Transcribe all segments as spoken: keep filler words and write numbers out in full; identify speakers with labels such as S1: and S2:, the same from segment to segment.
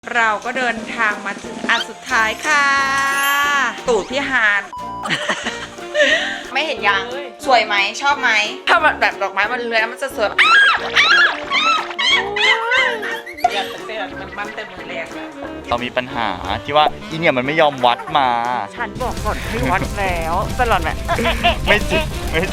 S1: เราก็เดินทางมาถึงอันสุดท้ายค่ะตูดพี่ฮานไม่เห็นยังสวยไหมชอบไหมถ้าแบบดอกไม้มันเลื้อยมันจะสวยอยากเต้นมันมันเต็มมือแรง
S2: เรามีปัญหาที่ว่าอีเนี่ยมันไม่ยอมวัดมา
S1: ฉันบอกก่อนให้วัดแล้วตลอดแบบ
S2: ไม่จริงไม่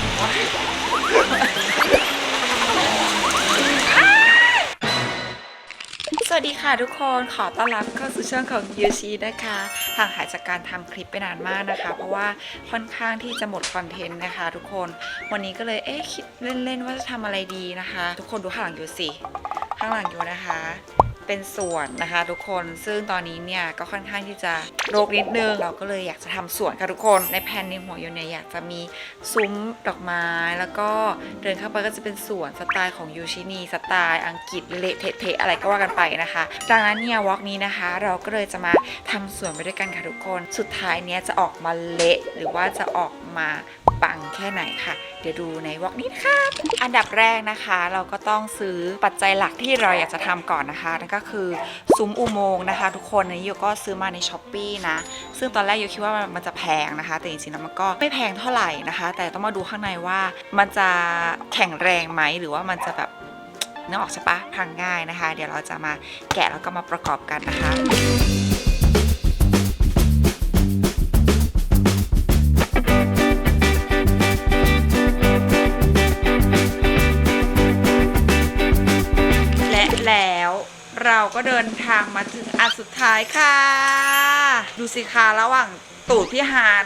S1: สวัสดีค่ะทุกคนขอต้อนรับเข้าสู่ช่องของยูชีนะคะห่างหายจากการทำคลิปไปนานมากนะคะเพราะว่าค่อนข้างที่จะหมดคอนเทนต์นะคะทุกคนวันนี้ก็เลยเอ๊ะคิดเล่นๆว่าจะทำอะไรดีนะคะทุกคนดูข้างหลังยูสิข้างหลังยูนะคะเป็นสวนนะคะทุกคนซึ่งตอนนี้เนี่ยก็ค่อนข้างที่จะรกนิดนึงเราก็เลยอยากจะทำสวนค่ะทุกคนในแผนในหัวยูเนี่ยอยากจะมีซุ้มดอกไม้แล้วก็เดินเข้าไปก็จะเป็นสวนสไตล์ของยูชินีสไตล์อังกฤษเละเทะๆอะไรก็ว่ากันไปนะคะดังนั้นเนี่ยวอล์กนี้นะคะเราก็เลยจะมาทำสวนไปด้วยกันค่ะทุกคนสุดท้ายเนี้ยจะออกมาเละหรือว่าจะออกมาปังแค่ไหนค่ะเดี๋ยวดูในวอล์กนี้นะคะอันดับแรกนะคะเราก็ต้องซื้อปัจจัยหลักที่เราอยากจะทำก่อนนะคะนั่นก็คือซุ้มอุโมงค์นะคะทุกคนอันนี้โยก็ซื้อมาในช้อปปี้นะซึ่งตอนแรกโยคิดว่ามันจะแพงนะคะแต่จริงๆแล้วมันก็ไม่แพงเท่าไหร่นะคะแต่ต้องมาดูข้างในว่ามันจะแข็งแรงไหมหรือว่ามันจะแบบนึกออกใช่ปะพังง่ายนะคะเดี๋ยวเราจะมาแกะแล้วก็มาประกอบกันนะคะแล้วเราก็เดินทางมาถึงอันสุดท้ายค่ะดูสิคะระหว่างตูดพี่ฮาน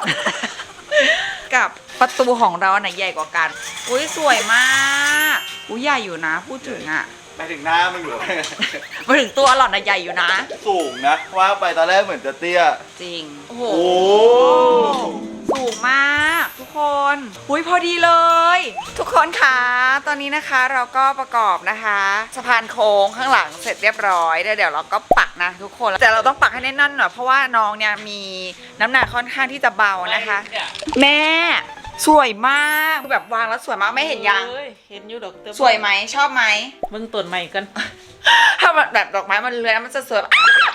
S1: กับประตูของเราไหนใหญ่กว่ากันอุ้ยสวยมากอุ้ยใหญ่อยู่นะพูดถึงอ่ะ
S2: ไปถึงหน้ามันอยู่
S1: มาถึงตัวหล่อนนะใหญ่อยู่นะ
S2: สูงนะว่าไปตอนแรกเหมือนจะเตี้ย
S1: จริงโอ้โหสูงมากทุกคนอุ้ยพอดีเลยทุกคนคะตอนนี้นะคะเราก็ประกอบนะคะสะพานโค้งข้างหลังเสร็จเรียบร้อยเดี๋ยวเราก็ปักนะทุกคนแต่เราต้องปักให้แน่นๆหน่อยเพราะว่าน้องเนี่ยมีน้ำหนักค่อนข้างที่จะเบานะคะแม่สวยมากแบบวางแล้วสวยมากไม่เห็นยัง
S3: เห็นอยู่ดอกเตอ
S1: สวยไหมชอบไหม
S3: มึงต้นใหม่กัน
S1: ถ้าแบบดอกไม้มันเลื้อยมันจะสวย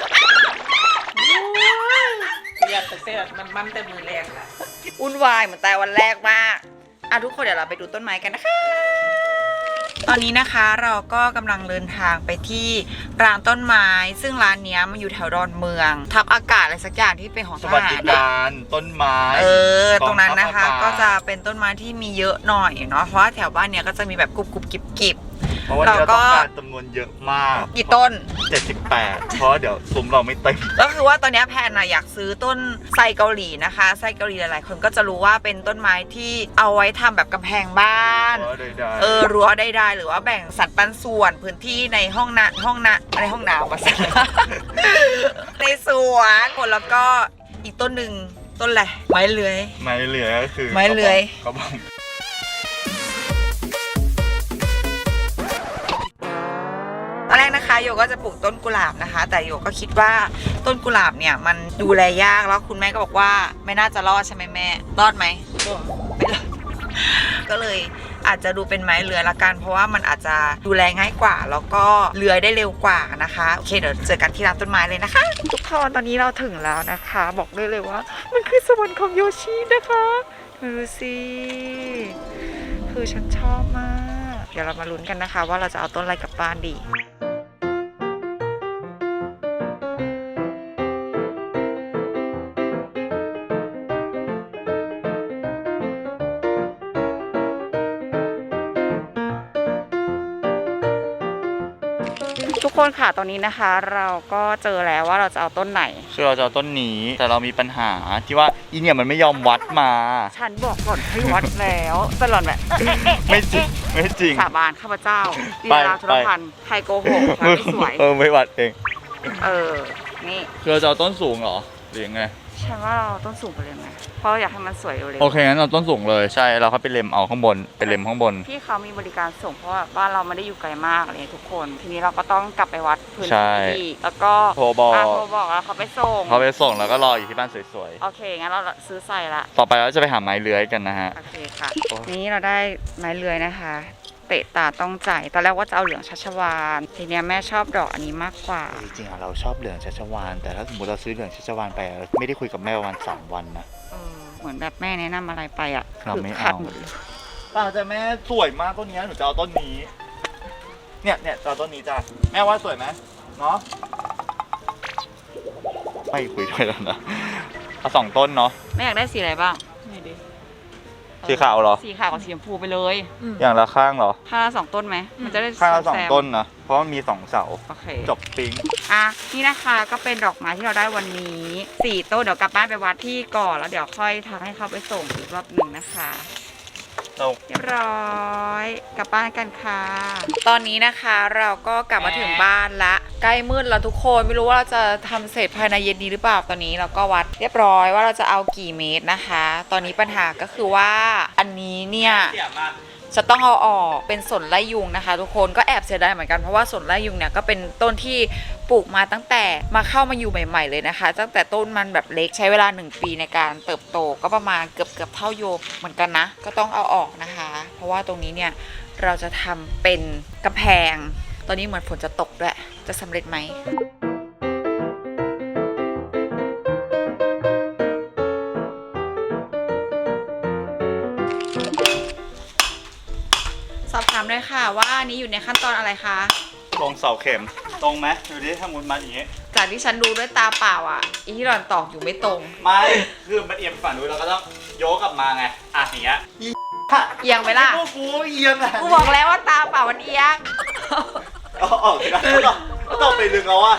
S3: อยากเต้นมันมันแต่มือแรงอะ
S1: วุ่นวายเหมือนแต่วันแรกมากอ่ะทุกคนเดี๋ยวเราไปดูต้นไม้กันนะคะตอนนี้นะคะเราก็กำลังเดินทางไปที่ร้านต้นไม้ซึ่งร้านนี้มันอยู่แถวดอนเมืองทับอากาศอะไรสักอย่างที่เป็นของทหาร
S2: สวัสดิการต้นไม้
S1: เออตรงนั้นนะคะก็จะเป็นต้นไม้ที่มีเยอะหน่อยเนาะเพราะว่าแถวบ้านเนี้ยก็จะมีแบบกรุบกรุบกิบกิบ
S2: เพราะว่าเราต้องการจำนวนเยอะมาก
S1: กี่ต้น
S2: เจ็ดสิบแปดเพราะเดี๋ยวซุ้มเราไม่เต็ม
S1: ก็คือว่าตอนนี้แพนนะอยากซื้อต้นไทรเกาหลีนะคะไทรเกาหลีหลายๆคนก็จะรู้ว่าเป็นต้นไม้ที่เอาไว้ทำแบบกำแพงบ้านเออรั้วได้ๆหรือว่าแบ่งสัดปันส่วนพื้นที่ในห้องน้ำห้องน้ำในห้องน้ำมาสัในสวนคนแล้วก็อีกต้นหนึ่งต้นอะไรไม้เลื้อย
S2: ไม้เลื้อยก็คือ
S1: ไม้เลื้อย
S2: เขาบอก
S1: ตอนแรกนะคะโยก็จะปลูกต้นกุหลาบนะคะแต่โยก็คิดว่าต้นกุหลาบเนี่ยมันดูแลยากแล้วคุณแม่ก็บอกว่าไม่น่าจะรอดใช่ไหมแม่รอดไหมไม่รอดก็เลยอาจจะดูเป็นไม้เลื้อยละกันเพราะว่ามันอาจจะดูแลง่ายกว่าแล้วก็เลื้อยได้เร็วกว่านะคะโอเคเดี๋ยวเจอกันที่ร้านต้นไม้เลยนะคะทุกคนตอนนี้เราถึงแล้วนะคะบอกได้เลยว่ามันคือสวรรค์ของโยชินะคะดูสิคือฉันชอบมากเดี๋ยวเรามาลุ้นกันนะคะว่าเราจะเอาต้นอะไรกลับบ้านดีทุกคนค่ะตอนนี้นะคะเราก็เจอแล้วว่าเราจะเอาต้นไหน
S2: คือเราจะเอาต้นนี้แต่เรามีปัญหาที่ว่าอีเนี่ยมันไม่ยอมวัดมา
S1: ฉันบอกก่อนให้วัดแล้วตลอดแบบ
S2: ไม่จริงไม่จริง
S1: สาบานข้าพเจ้าลีลาธุรพันธ์ใครโกหกใครไม่สวย
S2: เออไม่วัดเอง
S1: เออนี่
S2: คือเราจะเอาต้นสูงเหรอหรือยังไง
S1: ฉันว่าเราต้นสูงไปเลยไหมเพราะอยากให้มันสวยเร็ว
S2: โอเคงั้นเราต้นสูงเลยใช่เราเขาไปเล็มเอาข้างบนไปเล็มข้างบน
S1: พี่เขามีบริการส่งเพราะว่าบ้านเราไม่ได้อยู่ไกลมากเลยทุกคนทีนี้เราก็ต้องกลับไปวัดพื้นที่แล้วก็
S2: โทรบอก
S1: โทรบอกแล้วเขาไปส่ง
S2: เขาไปส่งแล้วก็รออยู่ที่บ้านสวย
S1: ๆโอเคงั้นเราซื้อใส่ละ
S2: ต่อไปเราจะไปหาไม้เลื้อยกันนะฮะ
S1: โอเคค่ะนี้เราได้ไม้เลื้อยนะคะเตะตาต้องใจตอนแรกว่าจะเอาเหลืองชัชวาลทีเนี้ยแม่ชอบดอกอันนี้มากกว่า
S2: จริงๆอะเราชอบเหลืองชัชวาลแต่ถ้าสมมติเราซื้อเหลืองชัชวาลไปอะไม่ได้คุยกับแม่ประมาณสามวันนะ
S1: เออเหมือนแบบแม่แนะนำอะไรไปอ่ะ
S2: เราไม่
S1: คือขัด
S2: เอา
S1: หมดเลย
S2: ป้าจะแม่สวยมากต้นนี้หนูจะเอาต้นนี้เนี่ยเนี่ยจะเอาต้นนี้จ้ะแม่ว่าสวยไหมเนาะไม่คุยด้วยแล้วนะเอาสองต้นเนาะ
S1: แม่อยากได้สีอะไรบ้าง
S3: นี่ดิ
S2: สีขาวเหรอ
S1: สีขาวกับสีชมพูไปเลย
S2: อย่างละข้างเหรอ
S1: ข้างละสองต้นไหมมันจะได้
S2: ข้างละสอง
S1: แซม
S2: ต้นนะเพราะมันมีสองเสา
S1: โอเค
S2: จบปิ๊ง
S1: อ่ะนี่นะคะก็เป็นดอกไม้ที่เราได้วันนี้สี่ต้นเดี๋ยวกลับบ้านไปวัดที่ก่อนแล้วเดี๋ยวค่อยทักให้เขาไปส่งอีกรอบหนึ่งนะคะ
S2: เรา
S1: เรียบร้อยกลับบ้านกันค่ะ ตอนนี้นะคะเราก็กลับมาถึงบ้านละใกล้มืดแล้วทุกคนไม่รู้ว่าเราจะทำเสร็จภายในเย็นนี้หรือเปล่าตอนนี้เราก็วัดเรียบร้อยว่าเราจะเอากี่เมตรนะคะ ตอนนี้ปัญหาก็คือว่าอันนี้เนี่ยจะต้องเอาออกเป็นสนไล่ยุงนะคะ ทุกคนก็แอบเสียดายเหมือนกันเพราะว่าสนไล่ยุงเนี่ยก็เป็นต้นที่ปลูกมาตั้งแต่มาเข้ามาอยู่ใหม่ ๆเลยนะคะ ตั้งแต่ต้นมันแบบเล็กใช้เวลาหนึ่งปีในการเติบโตก็ประมาณเกือบเกือบเท่าโยมเหมือนกันนะก็ต้องเอาออกนะคะ เพราะว่าตรงนี้เนี่ยเราจะทำเป็นกำแพงตอนนี้เหมือนฝนจะตกด้วยจะสำเร็จไหมสอบถามด้วยค่ะว่าอันนี้อยู่ในขั้นตอนอะไรคะ
S2: ลงเสาเข็มตรงไหมดูดิถ้ามุดมาอย่างงี้
S1: จากที่ฉันดูด้วยตาเปล่าอ่ะอีที่หล่อนตอกอยู่ไม่ตรง
S2: ไม่คือมันเอียงฝั่งนู้นเราก็ต้องโยกกลับมาไงอ่ะอย่างเงี้ย
S1: เอียงไปล่ะ
S2: กูกูเอียงอ่ะ
S1: กูบอกแล้วว่าตาเปล่ามันเอียง
S2: เอาออกเลยนะก็ต้องไปลึงเอาว่า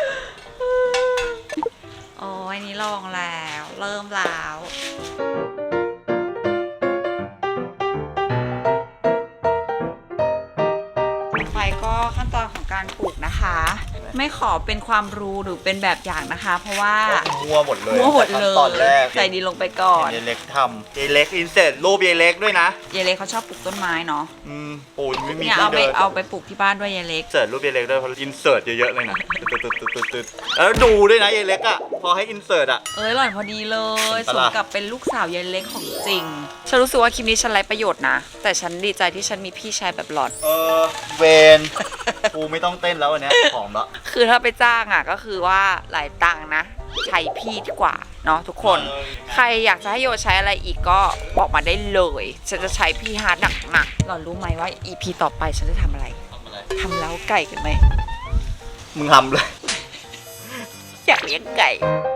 S1: โอ้ยนี่ลองแล้ว เริ่มแล้วต่อไปก็ขั้นตอนของการปลูกนะคะ ไม่ขอเป็นความรู้หรือเป็นแบบอย่างนะคะ เพราะว่า
S2: มัวหมดเลย
S1: มั่วหมดเล
S2: ตอนแร
S1: ย
S2: ก
S1: ใส่ดินลงไปก่อน
S2: เยเล็กทำเยเล็กอินเสิร์ตรูปเยเล็กด้วยนะ
S1: เยเล็กเขาชอบปลูกต้นไม้เนาะ
S2: อืมปูนไม่มี
S1: เนี่ย
S2: ที่
S1: เอาไป
S2: เดิน
S1: เอาไปปลูกที่บ้านด้วยเยเล็ก
S2: เสิร์ตรูปเยเล็กด้วยเพราะอินเสิร์ตเยอะๆเลยนะตึ๊ดตึ๊ดตึ๊ดตึ๊ดตึ๊ดแล้วดูด้วยนะเยเล็กอ่ะพอให้อินเสิร์ตอ่ะ
S1: เอ้ยหล่อนพอดีเลย
S2: เห็น
S1: ส
S2: ปะ
S1: ม
S2: ล่ะ
S1: กับเป็นลูกสาวเยเล็กของจริง ฉันรู้สึกว่าคลิปนี้ฉันไร้ประโยชน์นะ แต่ฉันดีใจที่ฉันมีพี่ชายแบบหล่อน
S2: เออเวนกูไม่ต้องเต้นแล้ววันเนี้ยผอมละ
S1: คือถ้าไปจ้างอ่ะก็คือว่าหลายตังค์นะ ใช้พี่ดีกว่าเนาะทุกคน ใครอยากจะให้โยใช้อะไรอีกก็บอกมาได้เลย ฉันจะใช้พี่ฮาร์ดหนักๆหล่อนรู้ไหมว่า อี พี ต่อไปฉันจะทำอะไร
S2: ทำอะไร
S1: ทำเล้าไก่กันไหม
S2: มึงทำเลย
S1: อยากเลี้ยงไก่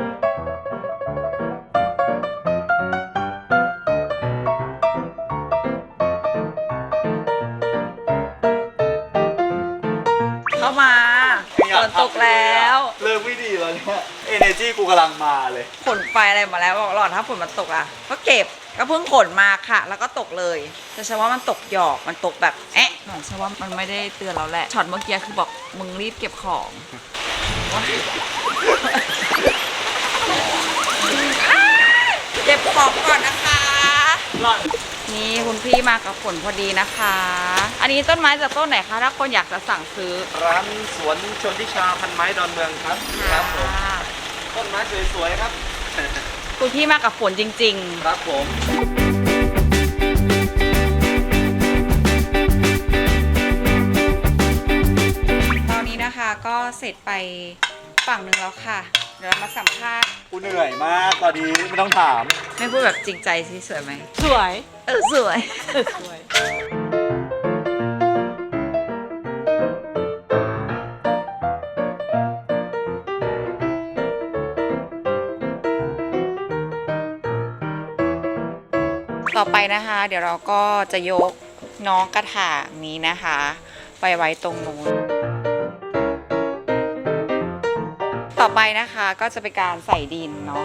S1: เข้ามาฝนตกแล้ว
S2: เลิกไม่ดีแล้วเนี่ยเอเนจีกูกำลังมาเลย
S1: ขนไฟอะไรมาแล้วบอกหลอดถ้าฝนมันตกอ่ะก็เก็บก็เพิ่งขนมาค่ะ แล้วก็ตกเลยแต่ฉันว่ามันตกหยอกมันตกแบบเอ๊ะหน่อยฉันว่ามันไม่ได้เตือนเราแหละช็อตเมื่อกี้คือบอกมึงรีบเก็บของ เก็บของก่อนนะคะ
S2: หลอด
S1: นี่คุณพี่มากับฝนพอดีนะคะ อันนี้ต้นไม้จากต้นไหนคะถ้าคนอยากจะสั่งซื้อ
S3: ร้านสวนชนทิชาพันไม้ดอนเมืองครับครับผมต้นไม้สวยๆครับ
S1: คุณพี่มากับฝนจริง
S3: ครับผม
S1: ๆ ตอนนี้นะคะก็เสร็จไปฝั่งหนึ่งแล้วค่ะ เดี๋ยวเรามาสัมภาษณ์
S2: กูเหนื่อยมากตอนนี้ไม่ต้องถาม
S1: ไม่พูดแบบจริงใจสิสวยไหม
S3: สวย
S1: เออสวย
S3: สวย
S1: ต่อไปนะคะ เดี๋ยวเราก็จะยกน้องกระถางนี้นะคะ ไปไว้ตรงนู้นต่อไปนะคะก็จะเป็นการใส่ดินเนาะ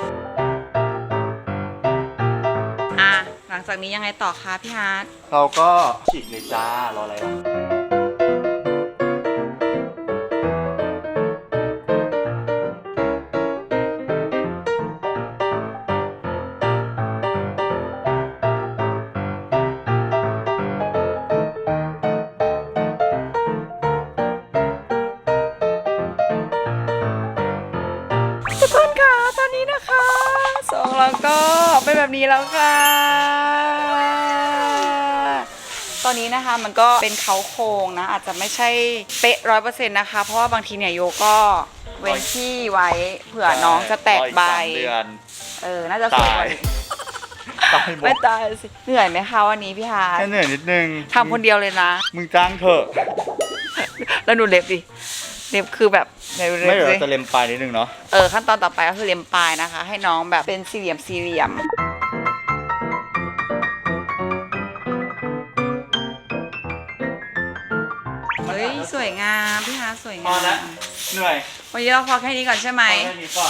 S1: อ่ะหลังจากนี้ยังไงต่อคะพี่ฮาร์ด
S2: เราก็ฉีกเลยจ้ารออะไรล่ะ
S1: ทุกคนค่ะตอนนี้นะคะสองเราก็เป็นแบบนี้แล้วค่ะตอนนี้นะคะมันก็เป็นเขาโครงนะอาจจะไม่ใช่เป๊ะร้อยเปอร์เซ็นต์นะคะเพราะว่าบางทีเนี่ยโยก็เว้นที่ไว้เผื่อน้องจะแตกใบ
S2: รออีสามเดือน
S1: เออน่าจะสวยกว่านี้
S2: ตายหม
S1: ไม่
S2: ด
S1: ตายสิเหนื่อยไหมคะวันนี้พี่ฮาร์ท
S2: แค่เหนื่อยนิดนึง
S1: ทำคนเดียวเลยนะ
S2: มึงจ้างเถอะ
S1: แล้วหนูเล็บดิเล็บคือแบบไหนดู
S2: ไม่
S1: เล็บ
S2: เดี๋ยว
S1: สิ
S2: เราจะเล็มปลายนิดนึงเนาะ
S1: เออขั้นตอนต่อไปก็คือเล็มปลายนะคะ ให้น้องแบบเป็นสี่เหลี่ยมสี่เหลี่ยมเฮ้ยสวยงามพี่ฮาร์ทสวย
S2: พอง
S1: า
S2: แล้ว
S1: ม
S2: เหนื่อย
S1: วันนี้เราพอแค่นี้ก่อนใช่ไหม
S2: พอแค่นี้ก่อน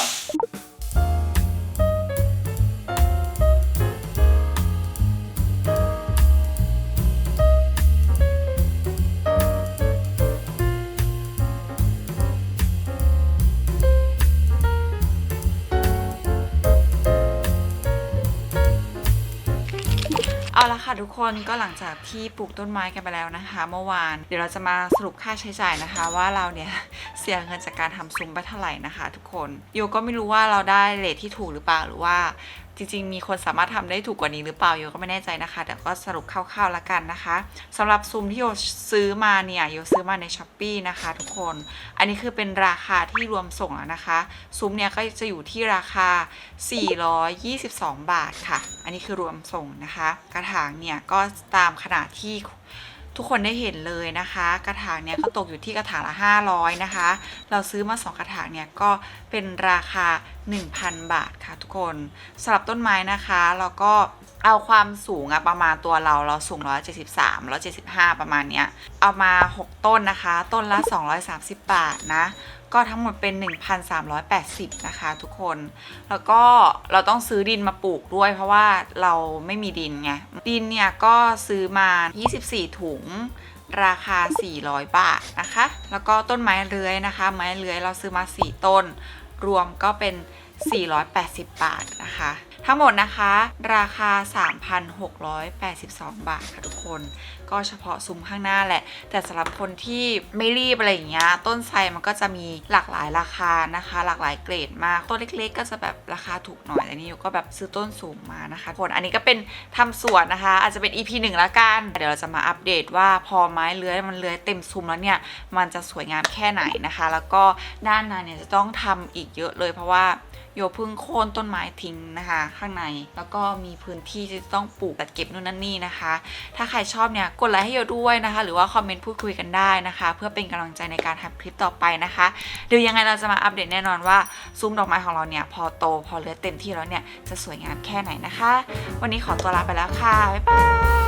S1: เอาละค่ะทุกคนก็หลังจากที่ปลูกต้นไม้กันไปแล้วนะคะ เมื่อวานเดี๋ยวเราจะมาสรุปค่าใช้จ่ายนะคะ ว่าเราเนี่ย เสียเงินจากการทำซุ้มไปเท่าไหร่นะคะ ทุกคนโยก็ไม่รู้ว่าเราได้เรทที่ถูกหรือเปล่าหรือว่าจริงๆมีคนสามารถทำได้ถูกกว่านี้หรือเปล่าโยก็ไม่แน่ใจนะคะแต่ก็สรุปคร่าวๆแล้วกันนะคะสำหรับซุ้มที่โยซื้อมาเนี่ยโยซื้อมาใน ช้อปปี้ นะคะ ทุกคนอันนี้คือเป็นราคาที่รวมส่งแล้วนะคะซุ้มเนี่ยก็จะอยู่ที่ราคาสี่ร้อยยี่สิบสองบาทค่ะอันนี้คือรวมส่งนะคะกระถางเนี่ยก็ตามขนาดที่ทุกคนได้เห็นเลยนะคะกระถางเนี่ยก็ตกอยู่ที่กระถางละห้าร้อยนะคะเราซื้อมาสองกระถางเนี่ยก็เป็นราคา หนึ่งพัน บาทค่ะทุกคนสำหรับต้นไม้นะคะแล้วก็เอาความสูงอะประมาณตัวเราเราสูงหนึ่งร้อยเจ็ดสิบสาม หนึ่งร้อยเจ็ดสิบห้าประมาณเนี้ยเอามาหกต้นนะคะต้นละสองร้อยสามสิบบาทนะก็ทั้งหมดเป็น หนึ่งพันสามร้อยแปดสิบ นะคะทุกคนแล้วก็เราต้องซื้อดินมาปลูกด้วยเพราะว่าเราไม่มีดินไงดินเนี่ยก็ซื้อมายี่สิบสี่ถุงราคาสี่ร้อยบาทนะคะแล้วก็ต้นไม้เลื้อยนะคะไม้เลื้อยเราซื้อมาสี่ต้นรวมก็เป็นสี่ร้อยแปดสิบบาทนะคะทั้งหมดนะคะราคา สามพันหกร้อยแปดสิบสอง บาทค่ะทุกคนก็เฉพาะซุ้มข้างหน้าแหละแต่สำหรับคนที่ไม่รีบอะไรอย่างเงี้ยต้นไทรมันก็จะมีหลากหลายราคานะคะหลากหลายเกรดมากต้นเล็กๆก็จะแบบราคาถูกหน่อยแต่นี่ก็แบบซื้อต้นสูงมานะคะทุกคนอันนี้ก็เป็นทำสวนนะคะอาจจะเป็น อี พี หนึ่งละกันเดี๋ยวเราจะมาอัปเดตว่าพอไม้เลื้อยมันเลื้อยเต็มซุ้มแล้วเนี่ยมันจะสวยงามแค่ไหนนะคะแล้วก็ด้านในเนี่ยจะต้องทำอีกเยอะเลยเพราะว่าโยเพิ่งโค่นต้นไม้ทิ้งนะคะข้างในแล้วก็มีพื้นที่ที่จะต้องปลูกตัดเก็บนู่นนั่นนี่นะคะถ้าใครชอบเนี่ยกดไลค์ให้โยด้วยนะคะหรือว่าคอมเมนต์พูดคุยกันได้นะคะเพื่อเป็นกำลังใจในการทำคลิปต่อไปนะคะเดี๋ยวยังไงเราจะมาอัปเดตแน่นอนว่าซุ้มดอกไม้ของเราเนี่ยพอโตพอเลื้อยเต็มที่แล้วเนี่ยจะสวยงามแค่ไหนนะคะวันนี้ขอตัวลาไปแล้วค่ะบ๊ายบาย